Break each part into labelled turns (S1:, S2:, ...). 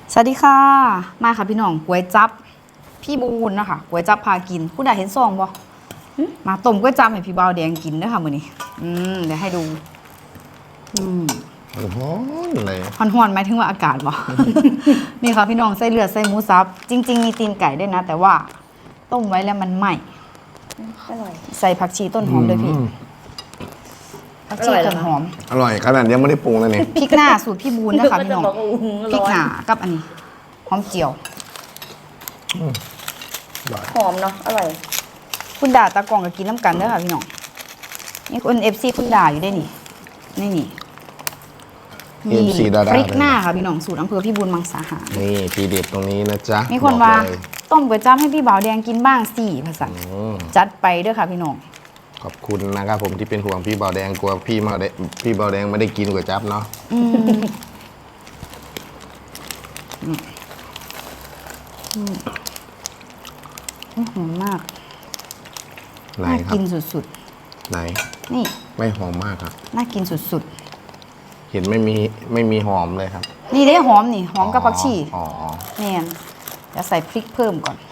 S1: สวัสดีค่ะมาค่ะพี่น้องก๋วยจั๊บพี่บูนนะคะก๋วยจั๊บพากินคุณได้เห็นซองบ่มาต้มก๋วยจั๊บให้พี่บ่าวแดงกินเด้อค่ะมื้อนี้เดี๋ยวให้ดู
S2: ร้อนเลย
S1: ฮ้อนๆหมายถึงว่าอากาศบ่ นี่ค่ะพี่น้องใส่เลือดใส่หมูสับจริงๆมีตีนไก่ด้วยนะ แต่ว่าต้มไว้แล้วมันไหม้
S3: อร่อย
S1: ใส่ผักชีต้นหอมด้วยพี่ผักชีต้นหอม
S2: อร่อยขนาดยังไม่ได้ปรุงเลยนี่
S1: พริกหน้าสูตรพี่บูนนะคะพี่น้องพริกหน้ากับอันนี้หอมเจียว
S3: หอมเนาะอร่อย
S1: คุณด่าตากล่องกับกินน้ำกันเด้อค่ะพี่น้องนี่คนFCคุณด่าอยู่ได้นี่นี่พริกหน้าค่ะพี่น้องสูตรอำเภอพี่บุญมังสาหาร
S2: นี่ทีเด็ดตรงนี้นะจ๊ะ
S1: มีคนว่าต้มก๋วยจั๊บให้พี่บ่าวแดงกินบ้างสิภาษาจัดไปเด้อค่ะพี่น้อง
S2: ขอบคุณนะครับผมที่เป็นห่วงพี่บ่าวแดงกลัวพี่บ่าวแดงไม่ได้กินก๋วยจั๊บเนาะ
S1: หอมมาก
S2: ไหนครับ
S1: น่ากินสุด
S2: ไหน
S1: นี่
S2: ไม่หอมมากครับ
S1: น่ากินสุด
S2: เห็นไม่มีหอมเลยครับ
S1: นี่ได้หอมนี่หอมกับผักชี
S2: อ๋อ
S1: เนี่ยจะใส่พริกเพิ่มก่อน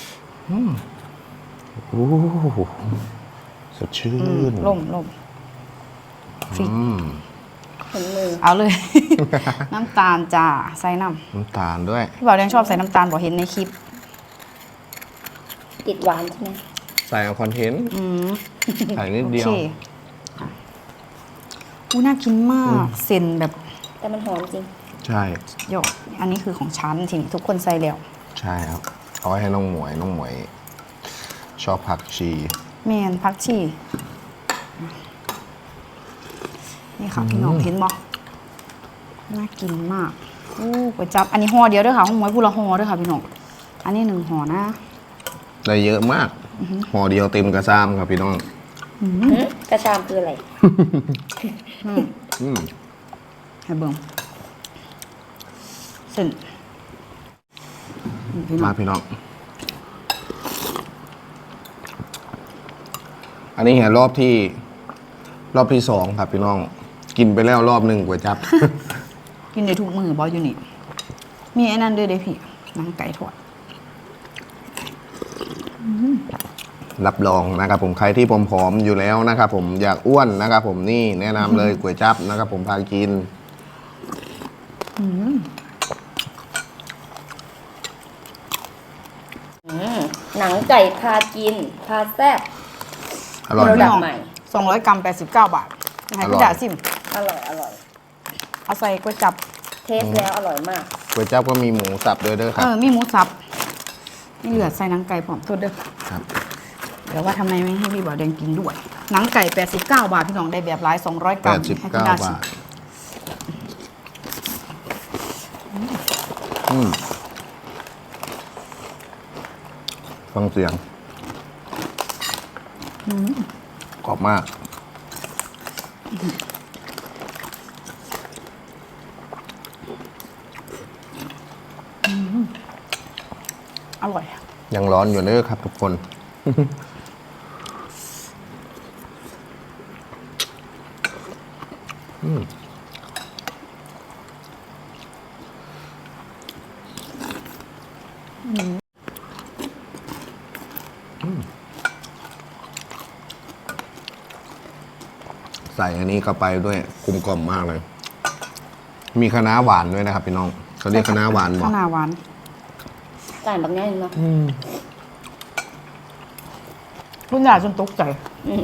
S2: โอ้สดชื่น
S1: ล่มพริก
S3: ถึงมือ
S1: เอาเลย น้ำตาลจ้าใส่น้
S2: ำตาลด้วย
S1: พี่บ่าวแดงชอบใส่น้ำตาลบอกเห็นในคลิป
S3: ติดหวานใช่ไหม
S2: ใส่เอาคอนเทนต์ใส่นิดเดียว
S1: น่ากินมากเส้นแบบ
S3: แต่มันหอมจริง
S2: ใช่
S1: โยกอันนี้คือของฉันทีนี้ทุกคนใส่แล้ว
S2: ใช่ครับเอาไว้ให้น้องหมวยชอบผักชี
S1: แมนผักชีนี่ค่ะพี่น้องเห็นบ่น่ากินมากก๋วยจั๊บอันนี้ห่อเดียวด้วยค่ะห้องหมวยพูละห่อด้วยค่ะพี่น้องอันนี้1ห่อนะ
S2: ได้เยอะมากห่อเดียวเต็มกระซ้ำครับพี่น้อง
S3: กระชามคืออะไร
S1: ให้เบิ่งเส้น
S2: มาพี่น้องอันนี้เห็นรอบที่2ครับพี่น้องกินไปแล้วรอบ1ก๋วยจั๊บ
S1: กินได้ทุกมื้อบออยู่นี่มีไอ้นั่นด้วยเด้พี่หนังไก่ทอด
S2: รับรองนะครับผมใครที่ผอมๆอยู่แล้วนะครับผมอยากอ้วนนะครับผมนี่แนะนำเลยก๋วยจั๊บนะครับผมพากิน
S3: หนังไก่พากินพาแซ่บ
S2: อร่อย
S1: มาก200 กรัม89 บาทให้พี่ดาซิม
S3: อร่อย
S1: เอาใส่ก๋วยจั๊บ
S3: เทสแล้วอร่อยมาก
S2: ก๋วยจั๊บก็มีหมูสับด้วยเด้อครับ
S1: มีหมูสับมีเหลือใส่หนังไก่ผอมตัวเด้อ
S2: ครับ
S1: เดี๋ยวว่าทำไมไม่ให้พี่บ่าวแดงกินด้วยหนังไก่89 บาทพี่น้องได้แบบหลาย200 กรัม
S2: ให้พี่ดาชิมฟังเสียงกรอบมาก
S1: อร่อย
S2: ยังร้อนอยู่เด้อครับทุกคนใส่อันนี้เข้าไปด้วยกลมกล่อมมากเลยมีคะน้าหวานด้วยนะครับพี่น้องเขาเรียกคะน้าหวานบอก
S1: คะน้าหวาน
S3: ไก่แบบนี้เนาะ
S1: รุ่นใหญ่จนตกใจ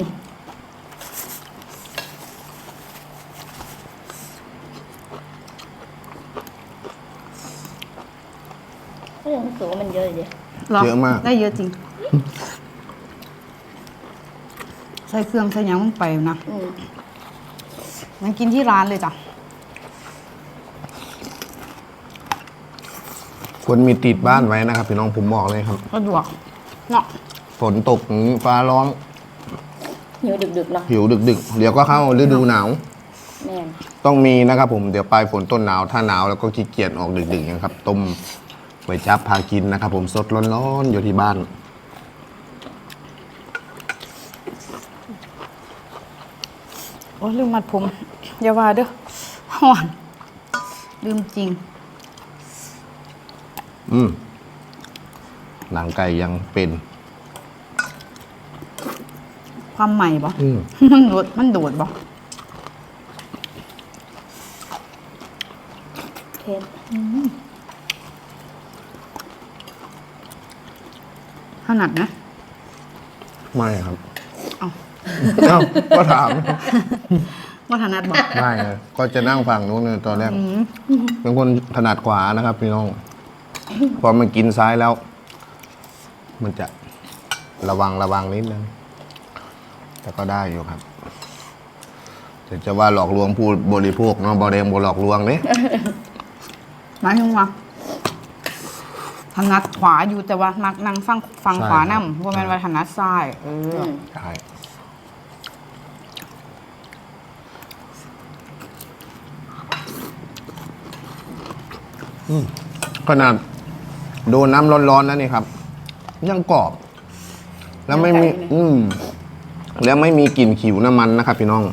S3: ก็ยังรู้สึกว่ามันเยอะเลย
S2: เยอะมาก
S1: ได้เยอะจริงใส่เครื่องใส่ยังลงไปนะมันกินที่ร้านเลยจ้ะ
S2: ควรมีติดบ้านไว้นะครับพี่น้องผมบอกเลยครับ
S1: สะดวกเนาะ
S2: ฝนตกฟ้าร้อง
S3: หิวดึกๆเนาะ
S2: หิวดึกเดี๋ยวก็เข้าฤดูหนาว
S3: แม่
S2: ต้องมีนะครับผมเดี๋ยวปลายฝนต้นหนาวถ้าหนาวแล้วก็ขี้เกียจออกดึกๆนะครับต้มก๋วยจั๊บพากินนะครับผมสดร้อนๆอยู่ที่บ้าน
S1: โอ้ลืมมัดผมอย่าว่าเด้อหวานลืมจริง
S2: หนังไก่ยังเป็น
S1: ความใหม่บ่
S2: อืม
S1: มันโดดบ่
S3: เค็ม
S1: ถนัดนะ
S2: ไม่ครับ
S1: เอ้า
S2: เอ้าก็ถาม
S1: ว่าถนัดบ่
S2: ไม่เลยก็จะนั่งฝั่งนู้นเลยตอนแรกเป็นคนถนัดขวานะครับพี่น้อง พอมันกินซ้ายแล้ว มันจะระวังนิดนึง แต่ก็ได้อยู่ครับแต่จะว่าหลอกลวงผู้บริโภคเนาะบอแดงบหลอกลวงเนี่ย
S1: หมายถึงว่าถนัดขวาอยู่แต่ว่ามักนั่งฟังขวานํบ่แม่นว่าถนัดซ้าย
S3: อืม
S2: ใช่ ขนาดโดนน้ำร้อนๆแล้วนี่ครับ ยังกรอบ แล้วไม่มี แล้วไม่มีกลิ่นขิวน้ำมันนะครับพี่น้อง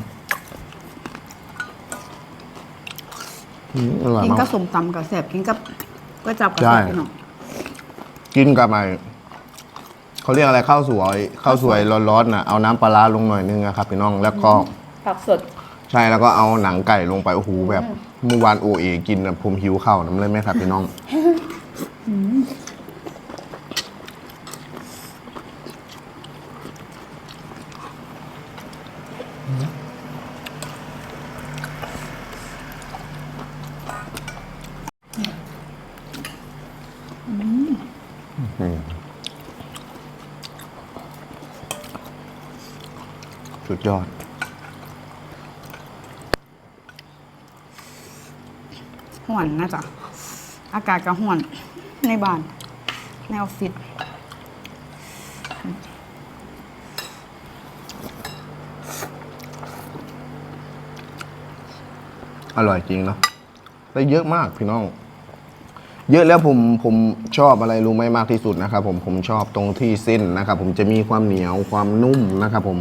S2: อร่อย
S1: กิน
S2: มา
S1: กับ
S2: ก
S1: ส้มตำกับแซ่บกินกับก๋วยจั๊บกับ
S2: ใช่
S1: แซ่บพี่น้อง
S2: กินกับไอเขาเรียกอะไรข้าวสวยร้อนๆน่ะเอาน้ำปลาร้าลงหน่อยนึงนะครับพี่น้องแล้วก็
S3: ผักสด
S2: ใช่แล้วก็เอาหนังไก่ลงไปโอ้โหแบบเมื่อวานโอเอกินนะผมหิวข้าวน้ำเลยไหมครับพี่น้อง สุดยอด
S1: ห่วนนะจ๊ะอากาศก็ห่วนในบ้านในออฟฟิศ
S2: อร่อยจริงเนาะได้เยอะมากพี่น้อง เยอะแล้วผมชอบอะไรรู้ไหมมากที่สุดนะครับผมชอบตรงที่เส้นนะครับผมจะมีความเหนียวความนุ่มนะครับผม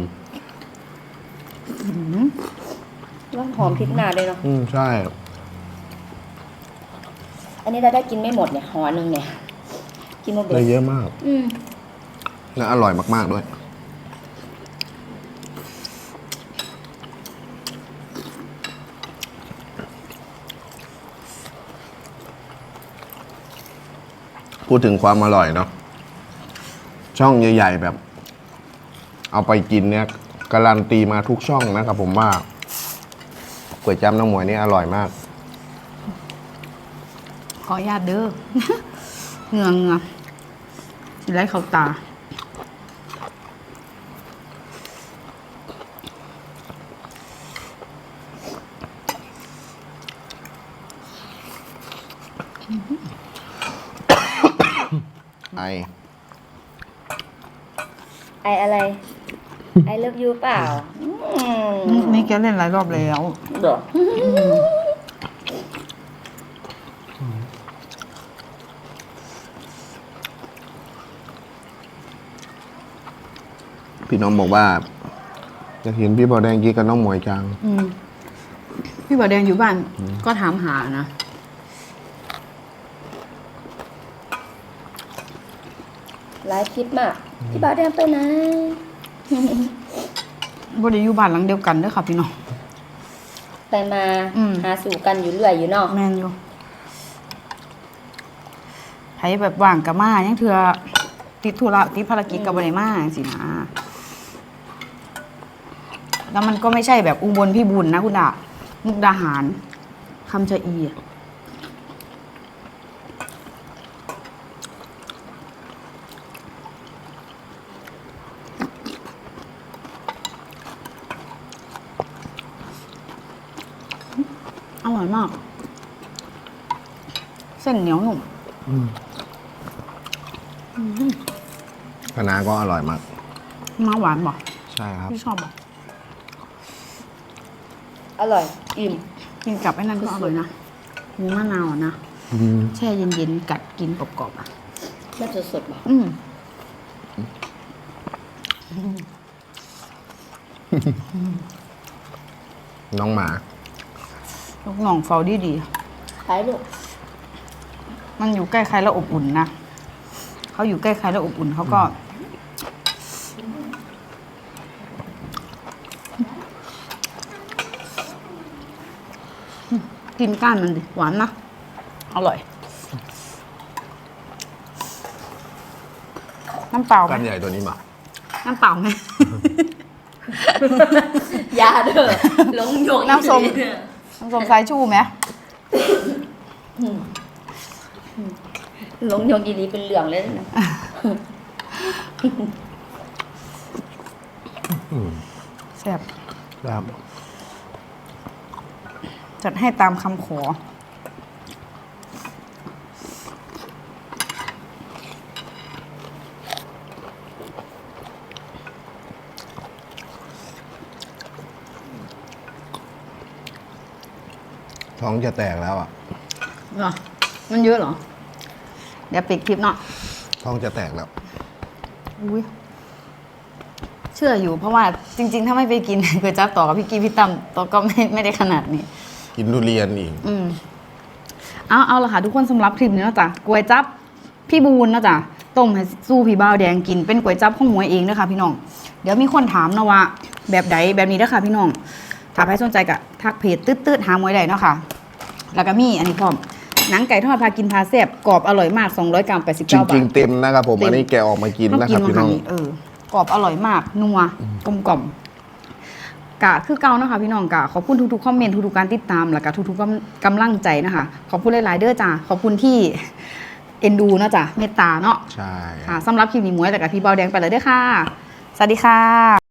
S3: แล้วหอมพริกหนาเลยเนาะ
S2: ใช่
S3: อันนี้เราได้กินไม่หมดเนี่ยห่อหนึ่งเนี่ย กินหมดเล
S2: ได้
S3: ย
S2: เยอะมาก
S3: อืม
S2: และอร่อยมากๆด้วย พูดถึงความอร่อยเนาะช่องใหญ่ๆแบบ เอาไปกินเนี่ยการันตีมาทุกช่องนะครับผมว่าก๋วยจั๊บน้องหมวยนี่อร่อยมาก
S1: ขออนุญาตเด้อ เหงือสิไล่เข้าตา
S2: ไอ
S3: ไออะไร ไอเลิฟยูเปล่า
S1: นี่แกเล่นหลายรอบแล้ว
S3: เดี๋ยว
S2: พี่น้องบอกว่าจะเห็นพี่บอแดงกินกับน้องหมวยจัง
S1: พี่บ่าวแดงอยู่บ้าน ก็ถามหานะ
S3: ไลฟ์คลิปมากพี่บ่าวแดงไปไหน
S1: บ่ได้อยู่บ้านหลังเดียวกันเด้อค่ะพี่น้อง
S3: ไปมา
S1: อืม
S3: หาสู่กันอยู่เรื่อยอยู่เนาะ
S1: แม่นอยู่ไผแบบว่างกับมายังเถื่อติดธุระติดภารกิจกับบ่ได้มาจังซี่นะแล้วมันก็ไม่ใช่แบบอุบลพี่บุญนะคุณดามุกดาหารคำชะอีอะอร่อยมาก เส้นเหนียวหนุ่ม
S2: คณะก็อร่อยมาก
S1: มาหวานบ่
S2: ใช่ครับ
S1: พี่ชอบบ่
S3: อร่อย อิ่ม
S1: กินกับไอ้นั่นก็อร่อยนะหมูมะนาวอะนะแช่เย็นๆกัดกินกรอบๆอ่ะ
S3: มันสดๆบอก
S2: น้องหมา
S1: ลูกน้องเฝ้าดี
S3: ขายลูก
S1: มันอยู่ใกล้ใครแล้วอบอุ่นนะเขาอยู่ใกล้ใครแล้วอบอุ่นเขาก็กินก้านมันดิหวานนะอร่อย น้ำเปล่าไหม
S2: กันใหญ่ตัวนี้มา
S1: น้ำเปล่าไหม
S3: ยาเด้อหลงหยก
S1: น้ำส้ม
S3: อีหลีเด้อ
S1: น้ำส้มสายชูไหม
S3: หลงหยกอีหลีเป็นเหลืองเลยนะ
S1: แซ่บ
S2: ครับ
S1: จัดให้ตามคำขอ
S2: ท้องจะแตกแล้วอ่ะ
S1: เหรอ มันเยอะเหรอ เดี๋ยวปิดคลิปเนาะ
S2: ท้องจะแตกแล้ว
S1: อุ้ยเชื่ออยู่เพราะว่าจริง ๆ ถ้าไม่ไปกิน ก๋วยจั๊บต่อกับพี่กี้พี่ตั้มต่อก็ไม่ได้ขนาดนี้
S2: กินทุเรียนอีก
S1: เอาละค่ะทุกคนสำหรับคลิปนี้เนาะจ้ะก๋วยจั๊บพี่บูนเนาะจ้ะต้มให้สู้พี่บ่าวแดงกินเป็นก๋วยจั๊บของหมวยเองเด้อค่ะพี่น้องเดี๋ยวมีคนถามนะว่าแบบใดแบบนี้เด้อค่ะพี่น้องถ้าใครสนใจก็ทักเพจตืดๆหาหมวยได้เนาะค่ะแล้วก็มีอันนี้พร้อมหนังไก่ทอดพากินพาแซ่บกรอบอร่อยมาก200 กรัม89 บาท
S2: จริง ๆ เต็มนะครับผม
S1: เต็ม
S2: อันนี้แกะออกมากินนะครับพี่น้อง
S1: กรอบอร่อยมากนัวกลมกล่อมกะคือเก่านะคะพี่น้องกะขอบคุณทุกๆคอมเมนต์ทุกๆการติดตามแล้วก็ทุกๆกำลังใจนะคะขอบคุณหลายๆเด้อจ้าขอบคุณที่เอ็นดูเนาะจ้ะเมตตาเนาะ
S2: ใช่
S1: ค่ะสำหรับคลิปนี้หมวยแต่กับพี่เบาแดงไปเลยเด้อค่ะ สวัสดีค่ะ